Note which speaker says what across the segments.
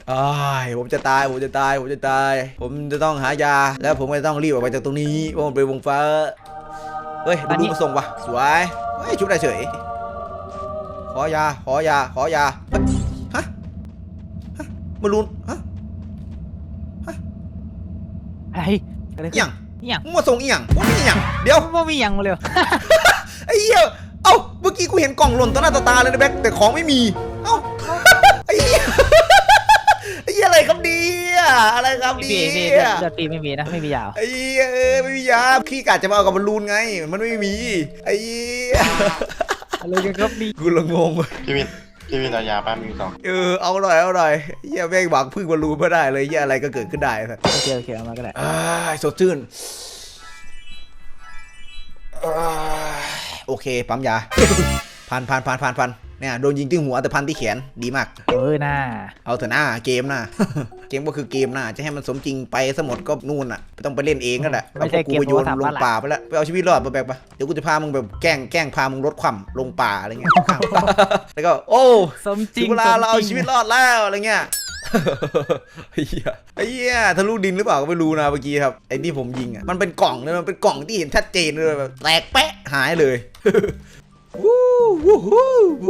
Speaker 1: อ้ายผมจะตายผมจะตายผมจะตายผมจะต้องหายาแล้วผมก็ต้องรีบออกไปจากตรงนี้เพราะมันเป็นวงฟ้าเฮ้ยดูมาส่งว่ะสวยเฮ้ยชุบได้เฉยขอยาขอยาขอยาฮะมาลุนฮะ
Speaker 2: ไอ้อะไร
Speaker 1: เอียง
Speaker 2: เอียง
Speaker 1: มึงมาส่งเอียงว่ามีเอียงเดี๋ยว
Speaker 2: ว่ามีอย่างมาเลย
Speaker 1: ไอ้เหี้ยเอ้าเมื่อกี้กูเห็นกล่องหล่นต่อหน้าต่อตาเลยนะแบ็คแต่ของไม่มีเอ้าไอ้เหี้ยไอ้เหี้ยอะไรครับเนี่ยอะไรครับ
Speaker 2: พี่
Speaker 1: เนี่
Speaker 2: พี่
Speaker 1: ย
Speaker 2: เลือดปีไม่มีนะไม่มียาว
Speaker 1: ไอ้เหี้ยไม่มียาพี่กะจะมาเอากับบอลลูนไงมันไม่มีไอ้เหี้ย
Speaker 2: อะไรกันครับนี่
Speaker 1: กูละงง
Speaker 3: พี่วินเอายาป้ามี2
Speaker 1: เอาหน่อยเอาหน่อยเหี้ยแม่งหวังพึ่งบอลลูนไม่ได้เลยเหี้ยอะไรก็เกิดขึ้นได้ครับ
Speaker 2: โอเคเอามาก็ได้
Speaker 1: สดชื่นโอเคปั๊มยา พันเนี่ยโดนยิงที่หัวแต่พันที่แขนดีมาก
Speaker 2: น่า
Speaker 1: เอาเถอะหน้าเกมนะ เกมก็คือเกมนะจะให้มันสมจริงไปสมดก็นู่นอ่ะไม่ต้องไปเล่นเองนั่นแหละเอาพวกกูไปโยนลงป่าไปแล้วไปเอาชีวิตรอดมาแบกปะเดี๋ยวกูจะพามึงแบบแกล้งพามึงรถคว่ำลงป่าอะไรเงี้ย แล้วก็โอ้
Speaker 2: สมจริง
Speaker 1: ถึเวลาเราเอาชีวิตรอดแล้วอะไรเงี้ย ไอ้เหี้ยทะลุดินหรือเปล่าก็ไม่รู้นะเมื่อกี้ครับไอ้ที่ผมยิงอ่ะมันเป็นกล่องเลยมันเป็นกล่องที่เห็นชัดเจนเลยแบบแตกแปะหายเลย วู้วู้วู้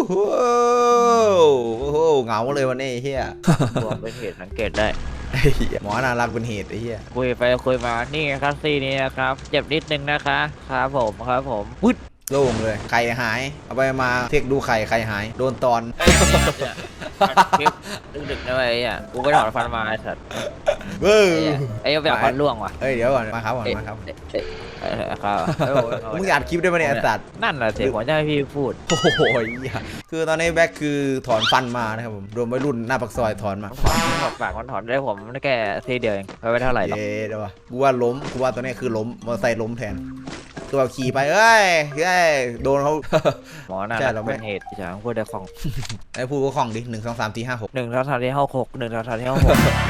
Speaker 1: เหงาเลยวันนี้เฮีย
Speaker 2: รวมเป็นเหตุสังเกตได้
Speaker 1: หมอน่ารักเป็นเหตุไอ้เฮีย
Speaker 2: คุยไปคุยมานี่ครับซีนี้นะครับเจ็บนิดนึงนะคะครับผมปึ๊ด
Speaker 1: โล่งเลยไข่หายเอาไปมาเทคดูไข่หายโดนตอน
Speaker 2: คลิปดึกๆนะไอ้อ่ะกูไปถอนฟันมาไอ้สัตว์
Speaker 1: เบ้อ
Speaker 2: ไอ้แบบฟันร่วงว่ะ
Speaker 1: เอ้ยเดี๋ยวก่อนมาครับครับ
Speaker 2: ครับ
Speaker 1: มึงอัดคลิปได้ไหมเนี่ยไอ้สัตว์
Speaker 2: นั่นแหละเสียงหัวใจพี่พูด
Speaker 1: โอ้โหคือตอนนี้แบ็คคือถอนฟันมานะครับผมรวมวัยรุ่นหน้าปากซอยถอนมา
Speaker 2: ถอดปากมันถอนได้ผมแค่ทีเดียวเองไปเท่าไหร่หรอก
Speaker 1: เย้เดี๋ยววะกูว่าล้มกูว่าตัวนี้คือล้มมอเตอร์ไซค์ล้มแทนคือแบบขี่ไปเอ้ยโดนเขา
Speaker 2: หมอน่า
Speaker 1: ใช่
Speaker 2: จะ
Speaker 1: เราไม่
Speaker 2: เป็นเหตุฉางพูดได้ของ
Speaker 1: ไอ้พูดก็คล่องดิ1 2 3 4 5 6
Speaker 2: 1 2 3 4 5 6 1 2 3 4 5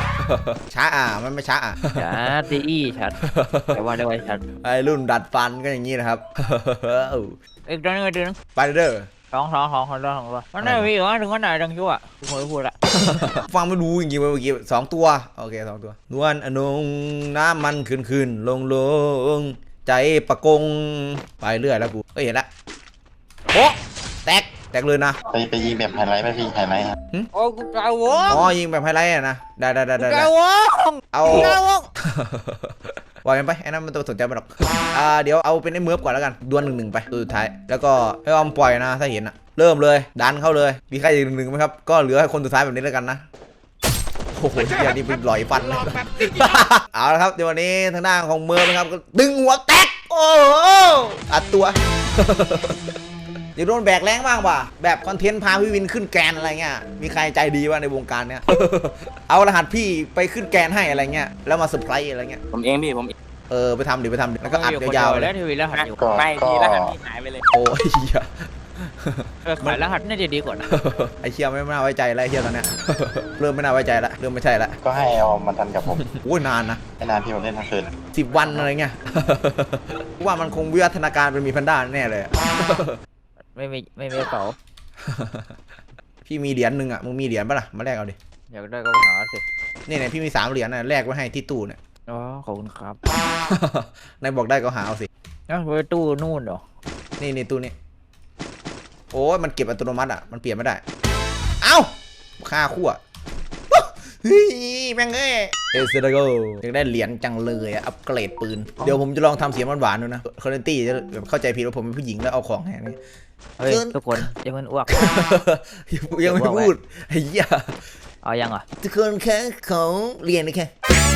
Speaker 2: 6
Speaker 1: ช้ามันไม่ช้า
Speaker 2: ชัดตีอี้ชัดแต่ว่าได้ไว้ชัด
Speaker 1: ไอ้รุ่นดัดฟันก็อย่างนี้นะครับ
Speaker 2: อีกตัวนึงอีกตัวนึง
Speaker 1: ไปเด้อ
Speaker 2: สองมันได้พี่เหรอถึงวันไหนดังชั่วกูไม่พูดละ
Speaker 1: ฟังไม่รู้จริงๆเมื่อกี้2 ตัวโอเค2 ตัวนวลอนงน้ำมันขึ้นลงใจประกงไปเรื่อยแล้วกูเห็นละโอ้แตกเลยนะ
Speaker 3: ไปยิงแบบไฮไลท์ไหมพี่ไฮไลท์ครับ
Speaker 2: โอ้กูกาววง
Speaker 1: อ๋อยิงแบบไฮไลท์นะได้
Speaker 2: กาววง
Speaker 1: เอา
Speaker 2: กาววง
Speaker 1: ปล่อยมันไปไอ้นั่นมันต้องสนใจมันหรอกเดี๋ยวเอาเป็นไอ้เมิร์ฟก่อนแล้วกันดวล1-1ไปตัวสุดท้ายแล้วก็ให้ออมปล่อยนะถ้าเห็นอะเริ่มเลยดันเข้าเลยมีใครอีก1-1ไหมครับก็เหลือให้คนสุดท้ายแบบนี้แล้วกันนะโอ้โหเดี๋ยวนี้เป็นหลอยฟันเลย เอาละครับเดี๋ยววันนี้ทางด้านของเมิร์ฟนะครับก็ดึงหัวแตกโอ้โหอัดตัว เดี๋ยวโดนแบกแรงบ้างว่ะแบบคอนเทนต์พาพี่วินขึ้นแกนอะไรเงี้ยมีใครใจดีว่ะในวงการเนี้ย เอารหัสพี่ไปขึ้นแกนให้อะไรเงี้ยแล้วมาเซอร์ไพรส์อะไรเงี้ย
Speaker 4: ผมเองพี่ผม
Speaker 1: ไปทำดิแล้วก็อัดยาวๆเล
Speaker 2: แล้ว
Speaker 1: ย
Speaker 2: ทีวีรหัสอยู่
Speaker 4: ไม่ทีรหัสพี่หายไปเลย
Speaker 1: โอ้ยเหี้ย
Speaker 2: ขายรหัสน่าจะดีกว่านะ
Speaker 1: ไอ้เชี่ยไม่น่าไว้ใจแล้วไอ้เชี่ยตอนเนี้ย เริ่มไม่น่าไว้ใจละเริ่มไม่ใช่ละ
Speaker 3: ก็ให้เอามาทันกับผม
Speaker 1: โอ้ยนานนะ
Speaker 3: ไม่นานพี่ผมเล่นทั้งคืน
Speaker 1: 10 วันอะไรเงี้ย ว่ามันคงวิวัฒนาการเป็นมีแพนด้าแน่เลย
Speaker 2: ไม่มีเป๋า
Speaker 1: พี่มีเหรียญหนึ่งอ่ะมึงมีเหรียญปะล่ะมาแลกเอาดิ
Speaker 2: อยากได้ก็ไปหาสิ
Speaker 1: เนี่ยพี่มี3 เหรียญนะแลกไว้ให้ที่ตู้เนี่ย
Speaker 2: อ๋อขอบคุณครับ
Speaker 1: นายบอกได้ก็หาเอาสิ
Speaker 2: นั่นไว้ตู้นู่นเหรอ
Speaker 1: นี่ตู้นี้โอ้ยมันเก็บอัตโนมัติอ่ะมันเปลี่ยนไม่ได้เอ้าค่าขั้วเฮ้ยแม่งเอ้ยเอสเตอร์โกอยากได้เหรียญจังเลยอ่ะอัปเกรดปืนเดี๋ยวผมจะลองทำเสียงหวานๆดูนะคอนเทนตี้จะแบบเข้าใจผิดว่าผมเป็นผู้หญิงแล้วเอาของแหงนี่
Speaker 2: เฮ้ยทุกคนยังมันอ้วก
Speaker 1: ยังไม่พูดไอ้เหี้ย
Speaker 2: เอายังอ่ะ
Speaker 1: ทุกคนแค่ของเรียนนะแค่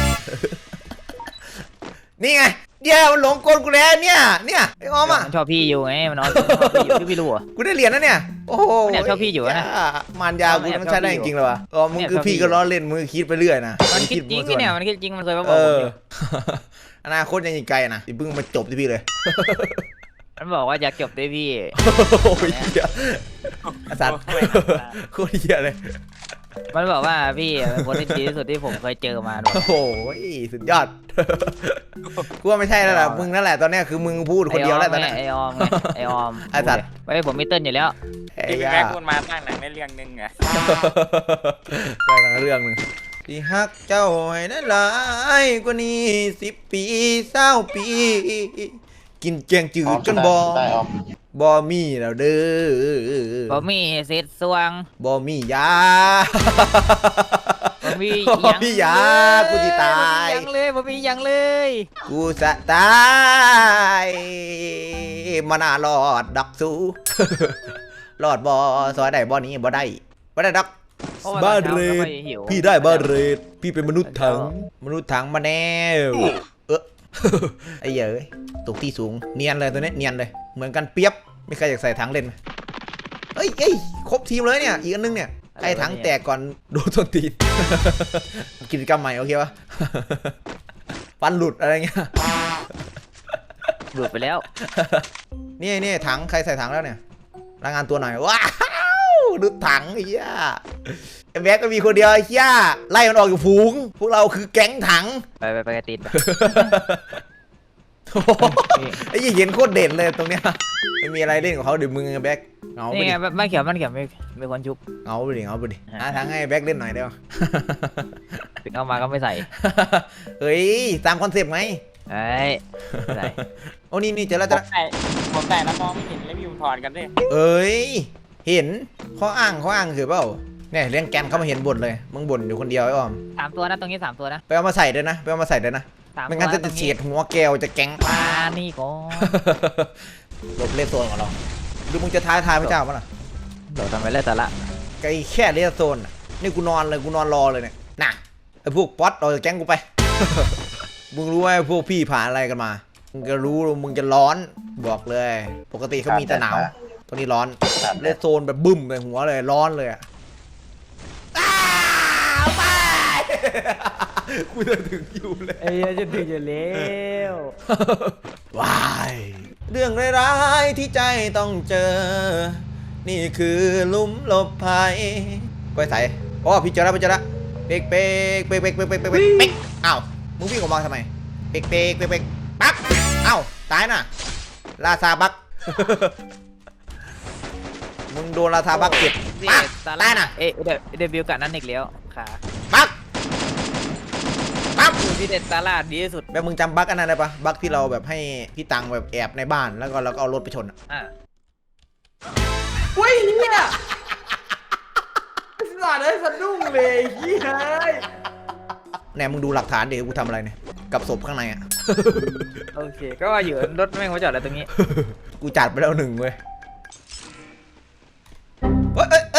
Speaker 1: นี่ไงเดี๋ยวมันหลงกลกูแล้วเนี่ยไอ้ออมอ่ะ
Speaker 2: มันชอบพี่อยู่ไงมันนอนชอบพี่อยู่พี่รู้อ่ะ
Speaker 1: กูได้เหรียญนะเนี่ยโอ้โห
Speaker 2: เนี่ยชอบพี่อยู่นะ
Speaker 1: มารยากูมันใช้ได้จริงๆเลยวะอ๋อมึงคือพี่ก็ล้อเล่นมึงคิดไปเรื่อยนะ
Speaker 2: มันคิดจริงพี่เนี่ยมันคิดจริงมันเคยมาบ
Speaker 1: เอ
Speaker 2: อกผม
Speaker 1: อ
Speaker 2: อยู่
Speaker 1: อนาคตยังอีกไกลนะอย่าเพิ่งมาจบที่พี่เลย
Speaker 2: มันบอกว่าอยากจบด้วยพี่
Speaker 1: โอ้ยเหี้ยอาสัตว์โคตรเหี้ยเลย
Speaker 2: มันบอกว่าพี่เป็นคนที่ดีที่สุดที่ผมเคยเจอมาด้วย
Speaker 1: โอ้โหสุดยอด กูว่าไม่ใช่แล้วล่ะมึงนั่นแหละตอนเนี้ยคือมึงพูดคนเดียวแล้วตอนเนี้ย
Speaker 2: ไอออมไอออม
Speaker 1: ไอ้สัตว์
Speaker 2: ไว้ผมมีเติ้ลอยู่แล้ว
Speaker 1: ไอ้
Speaker 4: ที่พี่แม็กพูดมาตั้งหนังในเรื่องนึงอะ
Speaker 1: ได้หนังเรื่องหนึ่งที่ฮักเจ้าให้ได้หลายกว่านี้10 ปี20 ปี กินแกงจืดจนบ่
Speaker 3: ได้ออม
Speaker 1: บ่มีแล้วเด้อ
Speaker 2: บ่มีเศษสวง
Speaker 1: บ่มียา
Speaker 2: บ่มี
Speaker 1: บ่มียากูสิตาย
Speaker 2: บ่มีหยังเลย
Speaker 1: กูจะตายมันน่ารอดดักสู้ รอดบ่ซอยได้บ่นี้บ่ได้ดัก
Speaker 2: พะว่
Speaker 1: บ้า
Speaker 2: ตอนช้
Speaker 1: เร
Speaker 2: ก็
Speaker 1: ด
Speaker 2: ไม่หิว
Speaker 1: พี่ได้บ้าเรดพี่เป็นมนุษย์ถังมาแน่ไอ้เหี้ยเอ้ยตกที่สูงเนียนเลยตัวนี้เนียนเลยเหมือนกันเปียบไม่ใครอยากใส่ถังเล่นไหมเอ้ยครบทีมเลยเนี่ยอีกอันนึงเนี่ยไอ้ถังแตกก่อนโดนต้นตีน กิจกรรมใหม่โอเคปะ ฟันหลุดอะไรเงี้ย
Speaker 2: ดูดไปแล้ว
Speaker 1: นี่ถังใครใส่ถังแล้วเนี่ยรายงานตัวหน่อยว้าวดูถังไอ้เหี้ยไอ้แบ็กก็มีคนเดียวไอ้เหี้ยไล่มันออกอยู่ฝูงพวกเราคือแก๊งถัง
Speaker 2: ไปกระติดไป
Speaker 1: โอ้โหไอ้ยี่เห็นโคตรเด่นเลยตรงเนี้ยไม่มีอะไรเล่นกับเขาเดี๋ยวมึงกับแบ็กเงาไป
Speaker 2: นี่
Speaker 1: ดิ
Speaker 2: ไงบ้านเขียวมีคนชุบ
Speaker 1: เงาไปดิหาทางให้แบ็กเล่นหน่อยได้ปะ
Speaker 2: ถึงเอามาก็ไม่ใส่
Speaker 1: เฮ้ยตามคอนเซปต์ไง
Speaker 2: เอ้ยไม่ใส่
Speaker 1: โอ้นี่เจอแล้ว
Speaker 4: ผมแต่แล้วมองไม่เห็นแล้วพี่ผมถอนกันด้วย
Speaker 1: เอ้ยเห็นข้ออ้างคือเปล่าเนี่ยเรื่องแกนเขามาเห็นบ่นเลยมึงบ่นอยู่คนเดียวไอ้ออม
Speaker 2: 3 ตัวนะตรงนี้3 ตัวนะ
Speaker 1: ไปเอามาใส่ด้วยนะ
Speaker 2: 3
Speaker 1: ไม่งั้น
Speaker 2: ตัว
Speaker 1: จะเฉียดหัวแก้วจะแก๊ง
Speaker 2: มานี่ก่อน
Speaker 1: หลบเลสโซนของเราดูมึงจะท้าทายพระเจ้าปะล่ะ
Speaker 2: เดี๋ยวทำไปเลยแต่ละ
Speaker 1: ไอ้แค่เลสโซนน่ะนี่กูนอนรอเลยเนี่ยน่ะไอ้พวกป๊อตออกจากแก๊งกูไป มึงรู้ไหมพวกพี่ผ่านอะไรกันมามึงจะรู้มึงจะร้อนบอกเลย ปกติเขามีแต่หนาวตรงนี้ร้อนเลสโซนแบบบึ้มเลยหัวเลยร้อนเลยอะไป กูจะถึงอยู่เลย
Speaker 2: เอ้ยจะถึงอยู่แล้ว
Speaker 1: ว้ายเรื่องร้ายๆที่ใจต้องเจอ นี่คือหลุมหลบภัยก้อยใสอ๋อพี่เจอแล้วเป๊กอ้าวมึงวิ่งออกมาทำไมเป๊กปั๊บอ้าวตายน่ะลาซาบัก มึงโดนลาซาบักเก็บปั๊บตายน่ะ
Speaker 2: เดบิวต์กับนั่นอีกแล้วค่ะ
Speaker 1: ปั๊บ
Speaker 2: พี่เด็ดตาลาดดีที่สุด
Speaker 1: แบบมึงจำบักอันนั้นได้ปะบักที่เราแบบให้พี่ตังแบบแอบในบ้านแล้วก็เราก็เอารถไปชนอะ
Speaker 2: เฮ้ยเนี่ย
Speaker 1: สาดเลยสะดุ้งเลยเฮ้ยแหนมึงดูหลักฐานเดี๋ยวกูทำอะไรเนี่ยกับศพข้างในอ่ะ
Speaker 2: โอเคก็ว่าอยู่รถแม่งมาจอดอะไรตรงนี้
Speaker 1: กูจัดไปแล้ว1เว้ยเอ้ย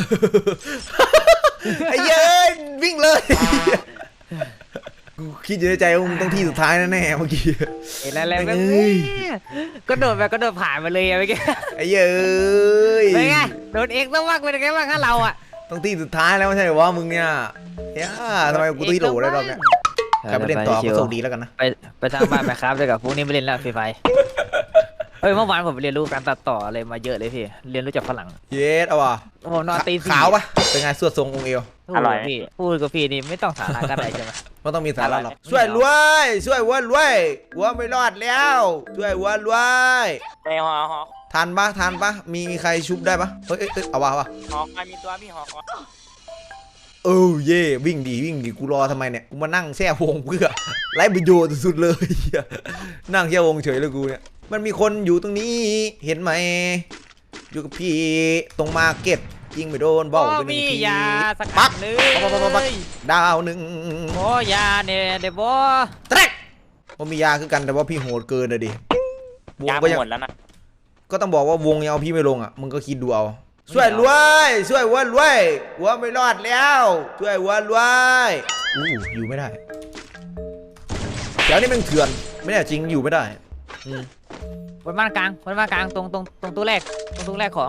Speaker 1: ไอ้เย้ยวิ่งเลยกูคิดอยู่ในใจว่ามึงต้องที่สุดท้ายแน่ๆเมื่อกี้
Speaker 2: เห็นอะไรแบบก็โดดผ่านไปเลยอะเมื่อกี้
Speaker 1: ไอ้เย้ย
Speaker 2: เป็นไงโดนเอกต้องว่าเป็นไงบ้างถ้าเราอ่ะ
Speaker 1: ต้องที่สุดท้ายแล้วไม่ใช่เหรอวะมึงเนี่ยทำไมกูตีโหลได้รอบเนี้ยใครไปเล่นต่อก็โชคดีแล้วกันนะ
Speaker 2: ไปทางบ้านไปครับด้วยกับพวกนี้ไปเล่นแล้วฟรีไฟเฮ้ยเมื่อวานผมไปเรียนรู้การตัดต่ออะไรมาเยอะเลยพี่เรียนรู้จากฝรั่ง
Speaker 1: เย็ดเอาว่ะ
Speaker 2: ผมนอนตีสี่
Speaker 1: ขาวปะเป็นไงสวดทรงองค์เอว
Speaker 2: อร่อยพี่พูดกับพี่นี่ไม่ต้องสาระก็ได้ใช่ไหม
Speaker 1: ไม่ต้องมีสาระหรอกช่วยรวยวัวไม่รอดแล้วช่วยวัวรวย
Speaker 4: ในหอ
Speaker 1: ทันปะมีใครชุบได้ปะเฮ้ยเอาวะ
Speaker 4: คอยมีตัวพี่หอคอย
Speaker 1: เย่วิ่งดีกูรอทำไมเนี่ยกูมานั่งแช่วงเพื่อไร้ประโยชน์สุดๆเลย นั่งแช่วงเฉยเลยกูเนี่ยมันมีคนอยู่ตรงนี้เห็นไหมอยู่กับพี่ตรงมาร์เก็ตยิงไปโดนเบ้าไปหนึ่ง
Speaker 2: มี
Speaker 1: ที
Speaker 2: ยาสัก
Speaker 1: ปัก
Speaker 2: หนึ่ง
Speaker 1: ดาวหนึ่ง
Speaker 2: โอ้ยาเนี่ยเดี๋ยวบอ
Speaker 1: แตรกผมมียาคือกันแต่ว่าพี่โหดเกินเลยดิวง
Speaker 4: ยา
Speaker 1: ก็ยัง
Speaker 4: หมดแล้วนะ
Speaker 1: ก็ต้องบอกว่าวงยังเอาพี่ไม่ลงอ่ะมึงก็คิดดูเอาช่วยรวยวัวไม่รอดแล้วช่วยวัวรวยอยู่ไม่ได้เดี๋ยวนี้มันเถื่อนไม่ได้จริงอยู่ไม่ได้
Speaker 2: บนบ้านกลางตรงตู้แรกของ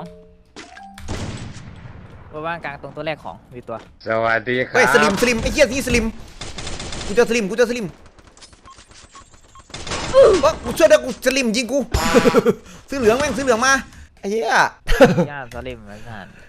Speaker 2: บนบ้านกลางตรงตู้แรกของมีตัว
Speaker 5: สวัสดีครั
Speaker 1: เฮ้ยสลิมไอ้เหี้ยนี่สลิมกูเจอสลิมว่ากูช่วยได้กูสลิมยิงกู ซื้อเหลืองมาไอ้เหี้ย
Speaker 2: ย่าสลิมเหมือนกัน